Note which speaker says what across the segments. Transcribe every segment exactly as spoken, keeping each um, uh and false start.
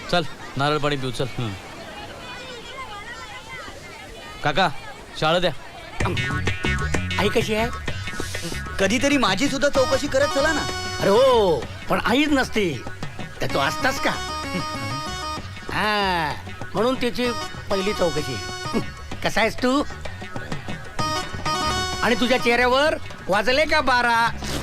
Speaker 1: चल नारळ पाणी पिऊ चल. काका शाळा द्या.
Speaker 2: आई कशी आहे?
Speaker 3: कधीतरी माझी सुद्धा चौकशी करत चला ना.
Speaker 2: अरे हो, पण आईच नसते तर तू असतास का? हा, म्हणून तिची पहिली चौकशी. कसा आहेस तू? आणि तुझ्या चेहऱ्यावर वाजले का बारा?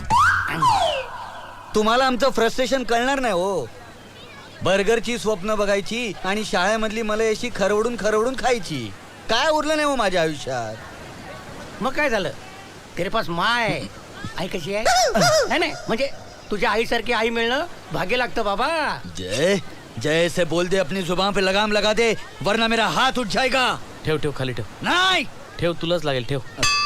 Speaker 3: तुम्हाला आमचं फ्रस्ट्रेशन कळणार नाही हो. बर्गरची स्वप्न बघायची आणि शाळेमधली मला अशी खरवडून खरवडून खायची. काय उरलं नाही हो माझ्या आयुष्यात.
Speaker 2: मग काय झालं? तेरे पास माय आई कशी आहे? नाही नाही, म्हणजे तुझ्या आईसारखी आई मिळणं भाग्य लागतं बाबा.
Speaker 3: जय जय से बोल दे, अपनी जुबान पे लगाम लगा दे, वरना मेरा हाथ उठ जाएगा.
Speaker 1: ठेव ठेव खाली ठेव.
Speaker 3: नाही
Speaker 1: ठेव तुलाच लागेल ठेव.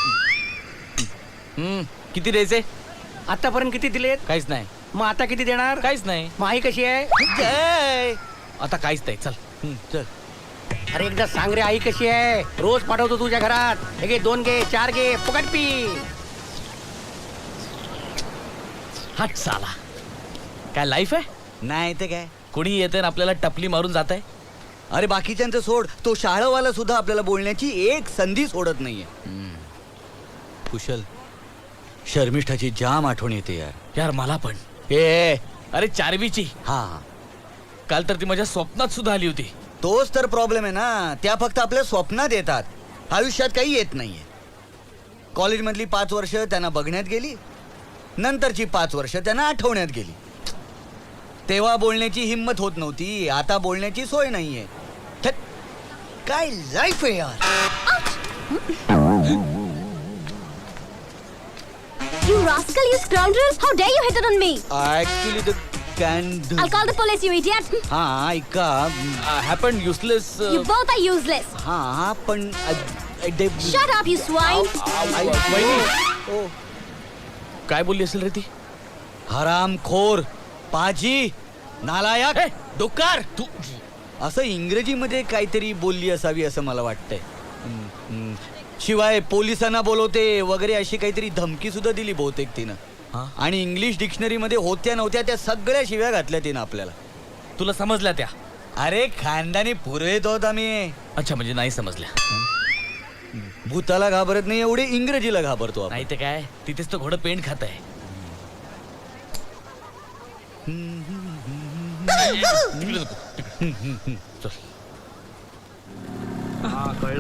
Speaker 1: हम्म किती द्यायचे?
Speaker 2: आतापर्यंत किती दिलेत?
Speaker 1: काहीच नाही.
Speaker 2: मग आता किती देणार?
Speaker 1: काहीच नाही.
Speaker 2: मग आई कशी आहे?
Speaker 3: जय.
Speaker 1: आता काहीच नाही. चल हम्म, चल.
Speaker 2: अरे एकदा सांग रे, आई कशी आहे? रोज पाठवतो तुझ्या घरात. हे घे, दोन घे, चार घे, फुकट पी.
Speaker 1: हट साला. काय लाईफ आहे?
Speaker 3: नाही ते काय.
Speaker 1: कोणी येते ना आपल्याला टपली मारून जात आहे.
Speaker 3: अरे बाकीच्यांचं सोड, तो शाळावाला सुद्धा आपल्याला बोलण्याची एक संधी सोडत नाहीये. कुशल, शर्मिष्ठाची जाम आठवण येते यार.
Speaker 1: यार मला पण.
Speaker 3: ए
Speaker 1: अरे चारवीची.
Speaker 3: हा,
Speaker 1: काल तर ती माझ्या स्वप्नात सुद्धा आली होती.
Speaker 3: तोच तर प्रॉब्लेम आहे ना. त्या फक्त आपल्या स्वप्नात येतात, आयुष्यात काही येत नाहीये. कॉलेजमधली पाच वर्ष त्यांना बघण्यात गेली, नंतरची पाच वर्ष त्यांना आठवण्यात गेली. तेव्हा बोलण्याची हिंमत होत नव्हती, आता बोलण्याची सोय नाहीये. थट, काय लाईफ आहे यार.
Speaker 4: You rascal, you scoundrel! How dare you hit it on me?
Speaker 3: Actually the can
Speaker 4: I'll call the police, you idiot!
Speaker 3: हा ऐका.
Speaker 1: Happen useless.
Speaker 4: You both are useless!
Speaker 3: हा हा पण
Speaker 4: Shut up, you swine!
Speaker 1: काय बोलली असेल रे ती?
Speaker 3: हरामखोर, पाजी, नालायक,
Speaker 1: ए!
Speaker 3: डुक्कर. तू असं इंग्रजीमध्ये काहीतरी बोलली असावी असं मला वाटतंय. हम्म, हम्म. शिवाय पोलिसांना बोलवते वगैरे अशी काहीतरी धमकी सुद्धा दिली बहुतेक तिनं.
Speaker 1: हा?
Speaker 3: आणि इंग्लिश डिक्शनरी मध्ये होत्या नव्हत्या त्या सगळ्या शिव्या घातल्या तिनं आपल्याला.
Speaker 1: तुला समजल्या त्या?
Speaker 3: अरे खानदानी पुरवेत होत आम्ही.
Speaker 1: अच्छा म्हणजे नाही समजल्या.
Speaker 3: भूताला घाबरत नाही एवढे इंग्रजीला घाबरतो आपण.
Speaker 1: नाही ते काय, तिथेच तो घोडं पेंट खात आहे. तिकडे नको, तिकडे. चल.